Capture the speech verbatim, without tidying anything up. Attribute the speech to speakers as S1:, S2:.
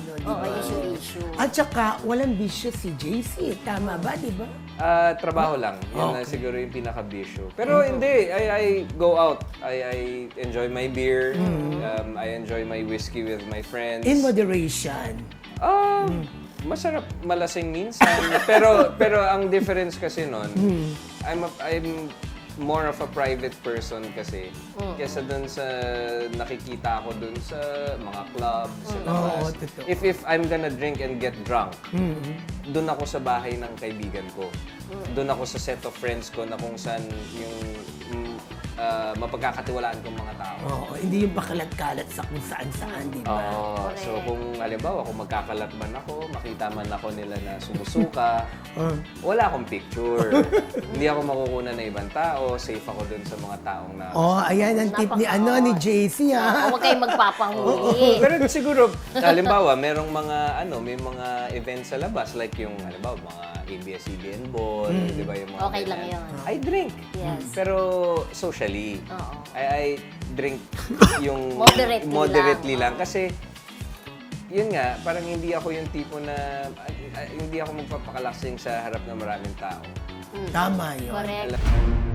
S1: ano, di
S2: Oo,
S1: ba?
S2: issue-issue.
S1: At saka, walang bisyo si J C. Tama ba, di ba?
S3: Ah, trabaho lang. Yun na
S1: Okay.
S3: siguro yung pinaka-bisyo. Pero hindi, I, I go out. I, I enjoy my beer. Um, I enjoy my whiskey with my friends.
S1: In moderation.
S3: Ah, masarap malasing minsan. pero pero ang difference kasi nun, I'm a, I'm more of a private person kasi kesa dun sa nakikita ko dun sa mga club, sa labas.
S1: Oo, totoo.
S3: if if I'm gonna drink and get drunk, dun ako sa bahay ng kaibigan ko. Dun ako sa set of friends ko na kung saan yung mm, ah, mapagkakatiwalaan kong mga tao.
S1: Oo, hindi yung pakalat-kalat sa kung saan-saan, di ba?
S3: Oo.
S2: Correct.
S3: So kung halimbawa, kung magkakalat man ako, makita man ako nila na sumusuka,
S1: Uh,
S3: wala akong picture. Hindi ako makukuha ng ibang tao, safe ako dun sa mga taong na...
S1: oh, ayan ang tip ni,
S2: Napaka-
S1: ano, ni J C, ha?
S2: Huwag kayong magpapahuli.
S3: Pero siguro, halimbawa, merong mga, ano, may mga events sa labas, like yung, halimbawa, mga A B S C B N ball, di ba yung mga...
S2: Okay lang
S3: ganyan.
S2: yun.
S3: I drink.
S2: Yes.
S3: Pero socially.
S2: Oo.
S3: I, I drink yung...
S2: Moderately
S3: moderately
S2: lang.
S3: lang. Kasi, yun nga, parang hindi ako yung tipo na, ah, hindi ako magpapakalasing sa harap ng maraming tao.
S1: Tama yun.
S2: Correct.
S3: Alam-